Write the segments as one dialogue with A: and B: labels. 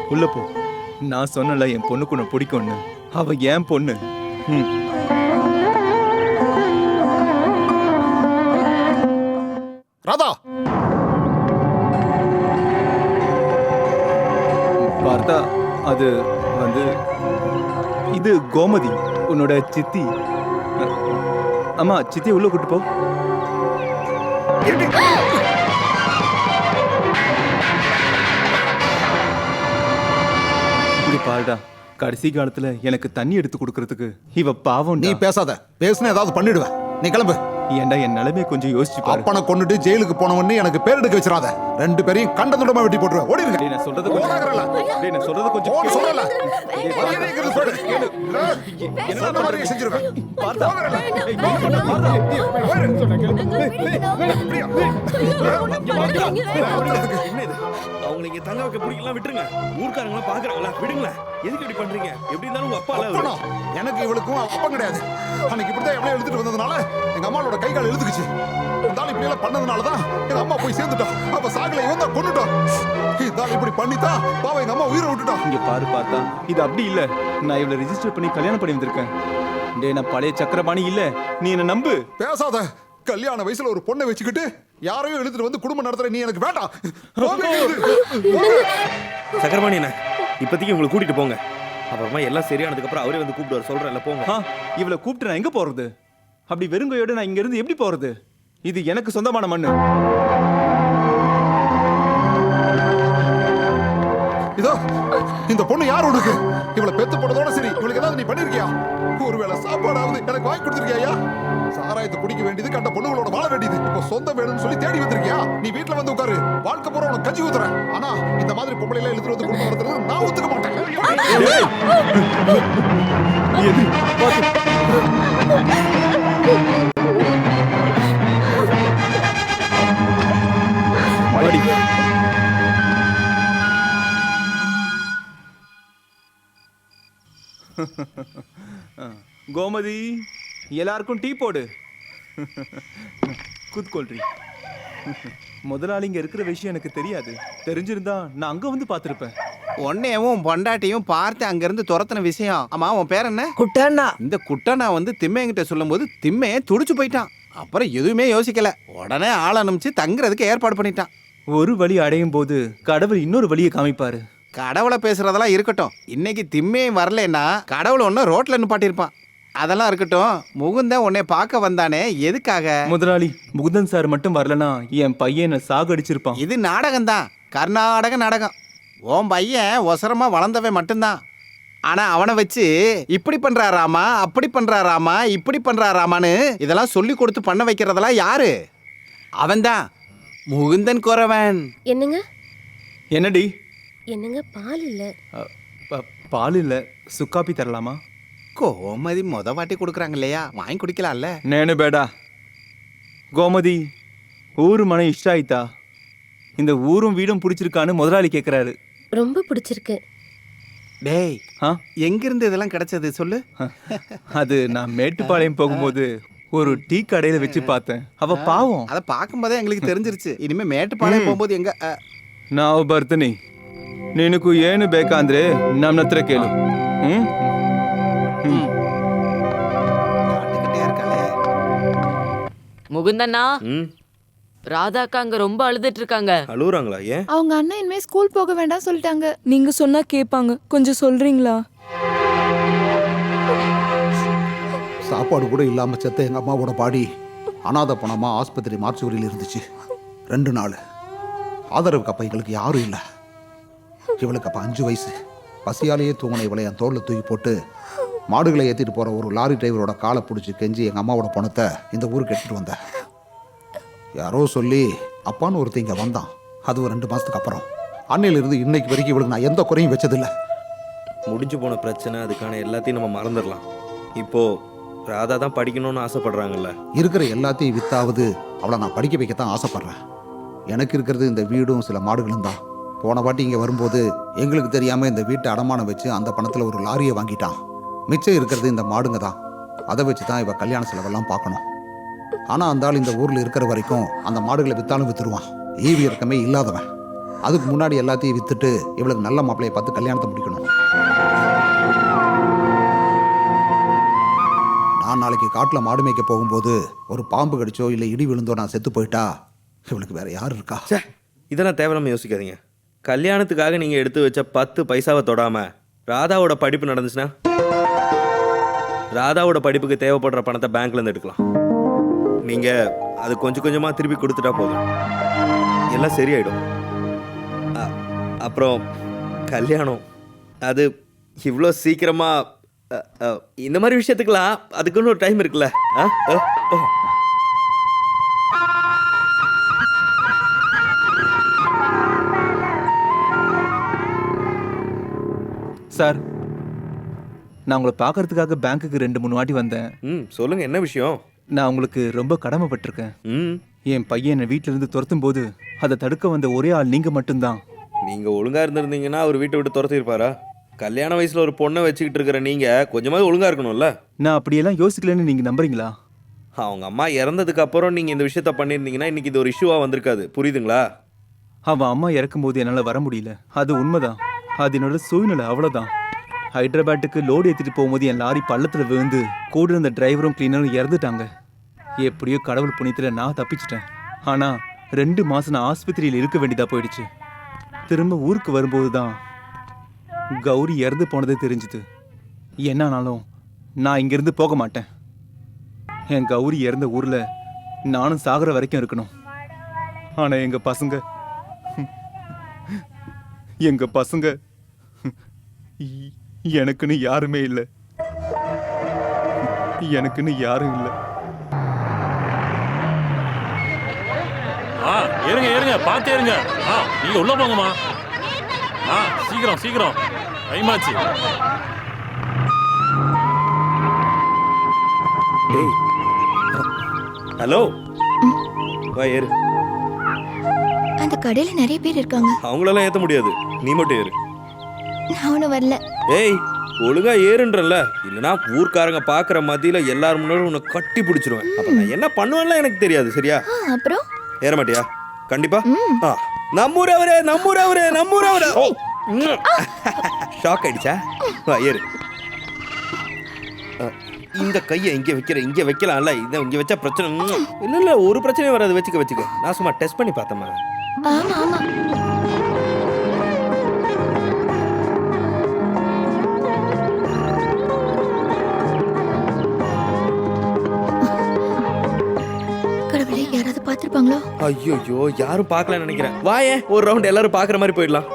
A: உள்ள போ. நான் சொன்னல என் பொண்ணுக்கு உன்னை பிடிக்கும்னு. அவ ஏன் பொண்ணு.
B: ராதா
A: பார்த்தா அது வந்து இது கோமதி, உன்னோட சித்தி. அம்மா, சித்தியை உள்ள கூட்டு போ. இது பாருடா, கடைசி காலத்துல எனக்கு தண்ணி எடுத்து கொடுக்கறதுக்கு இவ பாவம்.
B: நீ பேசாத, பேசுன ஏதாவது பண்ணிடுவேன். நீ கிளம்பு.
A: ஏன்டா என் நிலைமையை கொஞ்சம் யோசிச்சு பாரு.
B: அப்பனை கொண்டுட்டு ஜெயிலுக்கு போனவன்னு எனக்கு பேர் எடுக்க வச்சிடாத. ரெண்டு பேரையும் கண்ட துண்டமா வெட்டி போட்டுருவேன். ஓடிடுங்க.
A: டேய், நான் சொல்றது கொஞ்சம் டேய், நான் சொல்றது கொஞ்சம்
B: ஓட சொல்லல.
A: மரியாதை
B: இருக்கிறது சொல்லு. என்ன மாதிரி செஞ்சிருவேன்.
A: பார்த்தா
C: அவங்க இங்க தங்க வைக்க பிடிக்கலாம், விட்டுருங்க. ஊர்க்காரங்க பாக்குறாங்களா, விடுங்களேன். எதுக்கு இப்படி பண்றீங்க? எப்படி இருந்தாலும் உங்க அப்பா
B: எனக்கு இவளுக்கும் அப்பம் கிடையாது. அன்னைக்கு இப்படிதான் எவ்வளவு எழுதிட்டு வந்ததுனால எங்க அம்மாவோட கை கால் எழுதுக்குச்சு. இருந்தாலும் இப்படி எல்லாம் பண்ணதுனாலதான் எங்க அம்மா போய் சேர்ந்துட்டோம். அப்ப சாகல இவன் தான் கொண்டுட்டோம். இருந்தாலும் இப்படி பண்ணித்தான் பாவம் எங்க அம்மா உயிரை விட்டுட்டோம்.
A: இங்க பாரு பார்த்தா, இது அப்படி இல்ல. நான் இவளை ரெஜிஸ்டர் பண்ணி கல்யாணம் பண்ணி வந்திருக்கேன். டேய், நான் பழைய சக்கரபாணி இல்ல, நீ என்ன நம்பு.
B: பேசாத. கல்யாண வயசுல ஒரு பொண்ணை வச்சுக்கிட்டு யாரையும் எழுதிட்டு வந்து குடும்பம் நடத்துற நீ எனக்கு வேண்டாம்.
C: சக்கரபாணி என்ன இப்போதைக்கு உங்களை கூட்டிட்டு போங்க. அப்புறமா எல்லாம் சரியானதுக்கு அப்புறம் அவரே வந்து கூப்பிடுவார். சொல்றேன்ல, போங்க.
A: இவளை கூப்பிட்டு நான் எங்க போறது? அப்படி வெறுங்கையோட நான் இங்க இருந்து எப்படி போறது? இது எனக்கு சொந்தமான மண்ணு.
B: இதோ இந்த பொண்ணு யார் உனக்கு? இவளை பெத்து போட்டதோட சரி, இவளுக்கு ஏதாவது நீ பண்ணிருக்கியா? ஒருவேளை சாப்பாடாவது எனக்கு வாங்கி கொடுத்திருக்கியா? சாராயத்தை குடிக்க வேண்டியது, கண்ட பொண்ணுகளோட வாழ வேண்டியது. இப்போ சொந்தம் வேணும்னு சொல்லி தேடி வந்திருக்கியா? நீ வீட்டுல வந்து உட்காரு, வாழ்க்கை பூரா உனக்கு கஞ்சி ஊத்துறேன். ஆனா இந்த மாதிரி பொம்பளை எல்லாம் எழுத்துட்டு வந்து குடும்பம் நடத்துறது நான் ஒத்துக்க மாட்டேன்.
A: கோமதி, எல்லாருக்கும் டீ போடு. குத்கொள்றி. முதலாளி இங்க இருக்கிற விஷயம் எனக்கு தெரியாது. தெரிஞ்சிருந்தா நான் அங்க வந்து பாத்திருப்பேன்.
D: உன்னையும் பொண்டாட்டியும் பார்த்து அங்கிருந்து துரத்தின விஷயம். ஆமா, உன் பேர் என்ன?
E: குட்டண்ணா.
D: இந்த குட்டண்ணா வந்து திம்மையங்கிட்ட சொல்லும் போது திம்மையை துடிச்சு போயிட்டான். அப்புறம் எதுவுமே யோசிக்கல, உடனே ஆள் அனுப்பிச்சு தங்குறதுக்கு ஏற்பாடு பண்ணிட்டான்.
A: ஒரு வழி அடையும் போது கடவுள் இன்னொரு வழியை காமிப்பாரு.
D: கடவுளை பேசுறதெல்லாம் இருக்கட்டும், இன்னைக்கு திம்மையும் வரலன்னா கடவுள் ஒன்னும் ரோட்ல நிப்பாட்டியிருப்பான். அதெல்லாம் இருக்கட்டும், முகுந்தன் உன்னை பார்க்க வந்தானே, எதுக்காக?
A: முதலாளி, முகுந்தன் சார் மட்டும் வரலனா என் பையனை சாகடிச்சிருப்பான்.
D: இது நாடகம் தான், கர்நாடக நாடகம். உன் பையன் ஒசரமா வளர்ந்தவன் மட்டும்தான். ஆனா அவனை வச்சு இப்படி பண்றாராமா, அப்படி பண்றாராமா, இப்படி பண்றாராமான்னு இதெல்லாம் சொல்லி கொடுத்து பண்ண வைக்கிறதெல்லாம் யாரு? அவன்தான் முகுந்தன் குறவன்.
F: என்னங்க?
A: என்னடி?
F: என்னங்க, பால் இல்ல?
A: பால் இல்ல, சுக்காப்பி தரலாமா?
D: கோமதி மொத வாட்டி கொடுக்குறாங்க இல்லையா, வாங்கி குடிக்கலாம்ல.
A: நேனு பேடா கோமதி, ஊரு மன இஷ்ட ஆயிட்டா? இந்த ஊரும் வீடும் பிடிச்சிருக்கான்னு முதலாளி கேட்குறாரு.
F: ரொம்ப பிடிச்சிருக்கு.
D: டேய், எங்கிருந்து இதெல்லாம் கிடைச்சது சொல்லு.
A: அது நான் மேட்டுப்பாளையம் போகும்போது ஒரு டீ கடையில வச்சு பார்த்தேன். அவ பாவம்.
D: அதை பார்க்கும்போதே எங்களுக்கு தெரிஞ்சிருச்சு. இனிமே மேட்டுப்பாளையம் போகும்போது எங்க
A: ನಾವು ಬರ್ತೀನಿ. ನಿನಗೂ ಏನು ಬೇಕಂದ್ರೆ ನಮ್ಮ ಹತ್ರ ಕೇಳು.
E: முகுந்தண்ணா, ராதாக்கா அங்க ரொம்ப அழுதுட்டு இருக்காங்க.
C: அழுகுறாங்களா? ஏன்?
G: அவங்க அண்ணன் இனிமே ஸ்கூல் போக வேண்டாம் சொல்லிட்டாங்க.
H: நீங்க சொன்னா கேட்பாங்க, கொஞ்சம் சொல்றீங்களா?
B: சாப்பாடு கூட இல்லாம செத்த எங்க அம்மாவோட பாடி அனாதை பணமா ஆஸ்பத்திரி மார்ச்சுவரியில் இருந்துச்சு. 2 நாள் ஆதரவுக்கு அப்ப எங்களுக்கு யாரும் இல்லை. இவளுக்கு அப்ப 5 வயசு. பசியாலேயே தூங்கின இவளை என் தோளில் தூக்கி போட்டு மாடுகளை ஏற்றிட்டு போகிற ஒரு லாரி டிரைவரோட காலை பிடிச்சி கெஞ்சி எங்கள் அம்மாவோட பணத்தை இந்த ஊருக்கு எடுத்துகிட்டு வந்தேன். யாரோ சொல்லி அப்பான்னு ஒருத்தர் இங்கே வந்தான். அது ஒரு 2 மாதத்துக்கு அப்புறம். அன்னையிலிருந்து இன்னைக்கு வரைக்கும் இவளுக்கு நான் எந்த குறையும் வச்சதில்லை.
C: முடிஞ்சு போன பிரச்சனை, அதுக்கான எல்லாத்தையும் நம்ம மறந்துடலாம். இப்போ ராதா தான் படிக்கணும்னு ஆசைப்படுறாங்கல்ல.
B: இருக்கிற எல்லாத்தையும் வித்தாவது அவளை நான் படிக்க வைக்கத்தான் ஆசைப்படுறேன். எனக்கு இருக்கிறது இந்த வீடும் சில மாடுகளும் தான். போன வாட்டி இங்கே வரும்போது எங்களுக்கு தெரியாமல் இந்த வீட்டை அடமானம் வச்சு அந்த பணத்தில் ஒரு லாரியை வாங்கிட்டான். மிச்சம் இருக்கிறது இந்த மாடுங்க தான். அதை வச்சு தான் இவ கல்யாண செலவெல்லாம் பார்க்கணும். ஆனால் அந்த ஆள் இந்த ஊரில் இருக்கிற வரைக்கும் அந்த மாடுகளை விற்றாலும் விற்றுருவான். ஈவி இறக்கமே இல்லாதவன். அதுக்கு முன்னாடி எல்லாத்தையும் வித்துட்டு இவளுக்கு நல்ல மாப்பிள்ளையை பார்த்து கல்யாணத்தை முடிக்கணும். நான் நாளைக்கு காட்டில் மாடு மேய்க்க போகும்போது ஒரு பாம்பு கடிச்சோ இல்லை இடி விழுந்தோ நான் செத்து போயிட்டா இவளுக்கு வேற யார் இருக்கா?
C: சே, இதெல்லாம் தேவையில்லாம யோசிக்காதீங்க. கல்யாணத்துக்காக நீங்கள் எடுத்து வச்ச 10 பைசாவை தொடாமல் ராதாவோட படிப்பு நடந்துச்சுன்னா ராதாவோட படிப்புக்கு தேவைப்படுற பணத்தை பேங்க்லேருந்து எடுக்கலாம். நீங்கள் அது கொஞ்சம் கொஞ்சமாக திருப்பி கொடுத்துட்டா போதும், எல்லாம் சரியாயிடும். அப்புறம் கல்யாணம் அது இவ்வளோ சீக்கிரமாக இந்த மாதிரி விஷயத்துக்கெல்லாம் அதுக்குன்னு ஒரு டைம் இருக்குல்ல.
A: சார், நான் உங்களை பார்க்கறதுக்காக பேங்க்குக்கு 2-3 வாட்டி வந்தேன்.
C: சொல்லுங்கள், என்ன விஷயம்?
A: நான் உங்களுக்கு ரொம்ப கடமைப்பட்டிருக்கேன்.
C: ம்
A: என் பையன் என்னை வீட்டில இருந்து துரத்தும் போது அதை தடுக்க வந்த ஒரே ஆள் நீங்க மட்டும்தான்.
C: நீங்கள் ஒழுங்காக இருந்திருந்தீங்கன்னா அவர் வீட்டை விட்டு துரத்திருப்பாரா? கல்யாண வயசில் ஒரு பொண்ணை வச்சுக்கிட்டு இருக்கிற நீங்கள் கொஞ்சமாவது ஒழுங்காக இருக்கணும்ல.
A: நான் அப்படியெல்லாம் யோசிக்கலன்னு நீங்க நம்புறீங்களா?
C: அவங்க அம்மா இறந்ததுக்கு அப்புறம் நீங்கள் இந்த விஷயத்த பண்ணியிருந்தீங்கன்னா இன்னைக்கு இது ஒரு இஷ்யூவாக வந்திருக்காது, புரியுதுங்களா?
A: அவன் அம்மா இறக்கும்போது என்னால் வர முடியல, அது உண்மைதான். அது என்னோட சூழ்நிலை, அவ்வளோதான். ஹைதராபாத்துக்கு லோடு ஏற்றிட்டு போகும்போது என் லாரி பள்ளத்தில் விழுந்து கூட இருந்த டிரைவரும் கிளீனரும் இறந்துட்டாங்க. எப்படியோ கடவுள் புண்ணியத்தில் நான் தப்பிச்சிட்டேன். ஆனால் 2 மாதம் நான் ஆஸ்பத்திரியில் இருக்க வேண்டியதாக போயிடுச்சு. திரும்ப ஊருக்கு வரும்போது தான் கௌரி இறந்து போனதே தெரிஞ்சுது. என்னானாலும் நான் இங்கேருந்து போக மாட்டேன். என் கௌரி இறந்த ஊரில் நானும் சாகிற வரைக்கும் இருக்கணும். ஆனால் எங்கள் பசங்க எனக்குன்னு யாருமே இல்லை. எனக்குன்னு யாரும் இல்லை.
I: ஏறுங்க ஏறுங்க, பார்த்து ஏறுங்க. நீங்க உள்ள போங்கம்மா. சீக்கிரம் சீக்கிரம், டைம் ஆச்சு.
C: ஹலோ, வா ஏறு.
G: அந்த கடையில நிறைய பேர் இருக்காங்க.
C: அவங்களெல்லாம் ஏற்ற முடியாது, நீ மட்டும் ஏறு.
G: நான் ஒன்றும் வரல.
C: ஏய், ஒழுங்கா ஏறுன்றல, இல்லைனா ஊர்க்காரங்க பார்க்குற மத்தியில எல்லாரும் முன்னாடி உன்னை கட்டி பிடிச்சிருவேன். அப்ப நான் என்ன பண்ணுவேன்லாம் எனக்கு தெரியாது, சரியா?
G: அப்புறம்
C: ஏற மாட்டியா? கண்டிப்பா. நம்மூரவரே நம்மூரவரே நம்மூரவரே. ஷாக் ஆயிடுச்சா? வா ஏறு. இந்த கையை இங்க வைக்கலாம்ல, இதை இங்க வச்சா பிரச்சனை இல்ல. ஒரு பிரச்சனையும் வராது, வச்சுக்க. நான் சும்மா டெஸ்ட் பண்ணி பார்த்தேம்மா.
G: ஆமா ஆமா. கடவுளே, யாராவது பார்த்திருப்பாங்களோ?
C: ஐயோ, யாரும் பார்க்கலன்னு நினைக்கிறேன். வாயே, ஒரு ரவுண்ட் எல்லாரும் பார்க்குற மாதிரி போயிடலாம்.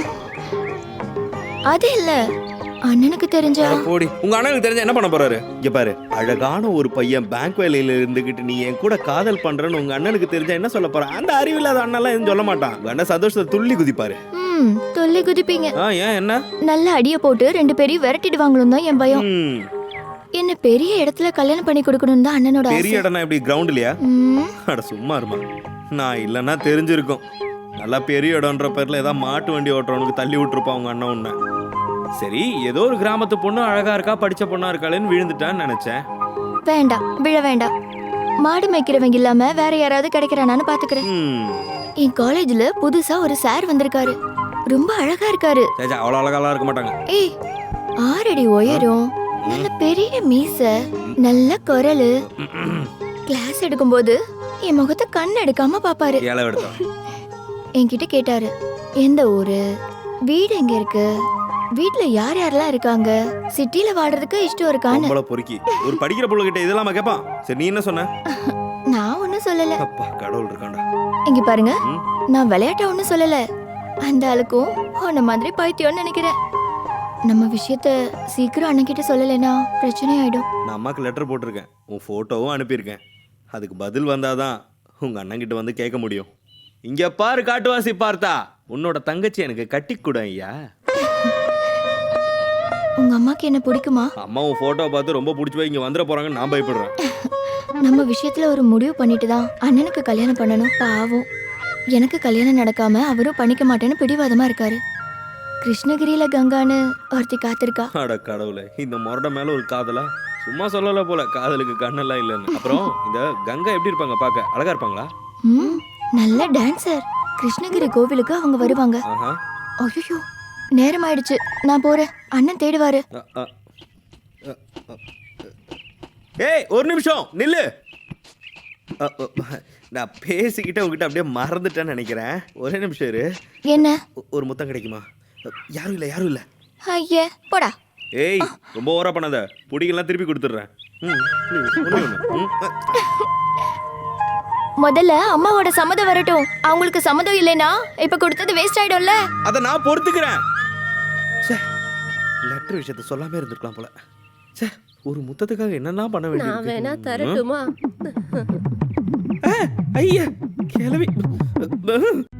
G: அது இல்ல, அண்ணனுக்கு தெரிஞ்சா.
C: போடி, உங்க அண்ணனுக்கு தெரிஞ்சா என்ன பண்ண போறாரு? இங்க பாரு, அழகான ஒரு பையன் பேங்க் வேலையில இருந்துகிட்டு நீ என் கூட காதல் பண்றன்னு உங்க அண்ணனுக்கு தெரிஞ்சா என்ன சொல்ல போறான்? அந்த அறிவில்லாத அண்ணெல்லாம் எதுவும் சொல்ல மாட்டான். உங்க அண்ணன் சந்தோஷத்தை துள்ளி குதிப்பாரு.
G: தொல்லை குதிப்பீங்க.
C: ஏன் என்ன?
G: நல்ல அடிய போட்டு 2 பேரையும் விரட்டிடுவாங்களும் தான் என் பயம். என்ன பெரிய இடத்துல கல்யாணம் பண்ணி கொடுக்கணும் தான் அண்ணனோட ஆசை.
C: பெரிய இடம்னா எப்படி, கிரவுண்ட்லயா? அட சும்மா இருமா, நான் இல்லைன்னா தெரிஞ்சிருக்கும். நல்லா பெரிய இடம்ன்ற பேர்ல ஏதாவது மாட்டு வண்டி ஓட்டுறவனுக்கு தள்ளி விட்டுருப்பான் உங்க அண்ணன் உன்ன. சரி, ஏதோ ஒரு கிராமத்து பொண்ணு அழகா இருக்கா, படிச்ச பொண்ணா இருக்காளேன்னு விழுந்துட்டான்னு நினைச்சேன்.
G: வேண்டாம், விழ வேண்டாம். மாடு மேய்க்கிறவங்க இல்லாம வேற யாராவது கிடைக்கிறானான்னு பாத்துக்கிறேன். என் காலேஜ்ல புதுசா ஒரு சார் வந்திருக்காரு. ரொம்ப அழகா இருக்காரு.
C: அவ்வளவு அழகாலாம் இருக்க மாட்டாங்க.
G: ஏய், 6 அடி உயரம், நல்ல பெரிய மீச, நல்ல குரலு. கிளாஸ் எடுக்கும்போது என் முகத்தை கண் எடுக்காம பாப்பாரு. என்கிட்ட கேட்டாரு, எந்த ஊரு, வீடு எங்க இருக்கு, வீட்ல யார் யாரெல்லாம் இருக்காங்க, சிட்டில வாடுறதுக்கு இஷ்டம் இருக்கான்னு.
C: பொறுக்கி ஒரு படிக்கிற பொண்ணு கிட்ட இதெல்லாம் கேட்பான். சரி, நீ என்ன சொன்ன?
G: நான் ஒன்னும் சொல்லல.
C: அப்பா, கடவுள் இருக்காண்டா.
G: இங்க பாருங்க, நான் விளையாட்ட ஒன்னும் சொல்லல. அந்த ஆளுக்கும் உன்ன மாதிரி பைத்தியம்னு நினைக்கிறேன். நம்ம விஷயத்த சீக்கிரம் அண்ணன் கிட்ட சொல்லலைன்னா பிரச்சனை ஆயிடும்.
C: நான் அம்மாக்கு லெட்டர் போட்டிருக்கேன், உன் போட்டோவும் அனுப்பியிருக்கேன். அதுக்கு பதில் வந்தாதான் உங்க அண்ணன் கிட்ட வந்து கேட்க முடியும். இங்க பாரு காட்டுவாசி பார்த்தா, உன்னோட தங்கச்சி எனக்கு கட்டி கூட ஐயா.
G: உங்க அம்மாக்கு என்ன பிடிக்குமா?
C: அம்மா உன் போட்டோ பார்த்து ரொம்ப பிடிச்சி போய் இங்க வந்துட போறாங்கன்னு நான் பயப்படுறேன்.
G: நம்ம விஷயத்துல ஒரு முடிவு பண்ணிட்டு தான் அண்ணனுக்கு கல்யாணம் பண்ணணும். பாவம், எனக்கு கல்யாணம் நடக்காம அவரும் பண்ணிக்க மாட்டேன்னு பிடிவாதமா இருக்காரு. கிருஷ்ணகிரியில கங்கான்னு ஒருத்தி காத்திருக்கா.
C: அட கடவுளே, இந்த முரட மேல ஒரு காதலா? சும்மா சொல்லல போல, காதலுக்கு கண்ணெல்லாம் இல்லைன்னு. அப்புறம் இந்த கங்கா எப்படி இருப்பாங்க? பார்க்க அழகா இருப்பாங்களா?
G: நல்ல டான்சர். கிருஷ்ணகிரி கோவிலுக்கு அவங்க வருவாங்க.
C: ஆஹா.
G: ஐயோ நேரம் ஆயிடுச்சு, நான் போறேன். அண்ணன் தேடுவாரு.
C: ஏய் ஒரு நிமிஷம் நில்லு. நான் பேசிக்கிட்டே உங்ககிட்ட அப்படியே மறந்துட்டேன்னு நினைக்கிறேன். ஒரே நிமிஷம் இரு.
G: என்ன?
C: ஒரு முத்தம் கிடைக்குமா? யாரும் இல்லை யாரும் இல்லை.
G: ஐயே போடா.
C: ஏய் ரொம்ப ஓவரா பண்ணாத, புடிக்கலாம் திருப்பி கொடுத்துட்றேன்.
G: முதல்ல அம்மாவோட சம்மதம் வரட்டும். அவங்களுக்கு சம்மதம் இல்லைனா இப்ப கொடுத்தது வேஸ்ட் ஆயிடும்ல.
C: அதை நான் பொறுத்துக்கிறேன். லெட்டர் விஷயத்த சொல்லாம இருந்திருக்கலாம் போல. சே, ஒரு முத்தத்துக்காக என்னெல்லாம் பண்ண
F: நான் வேணா
C: வேண்டியது.
F: தரட்டுமா?
C: ஐயா கிளவி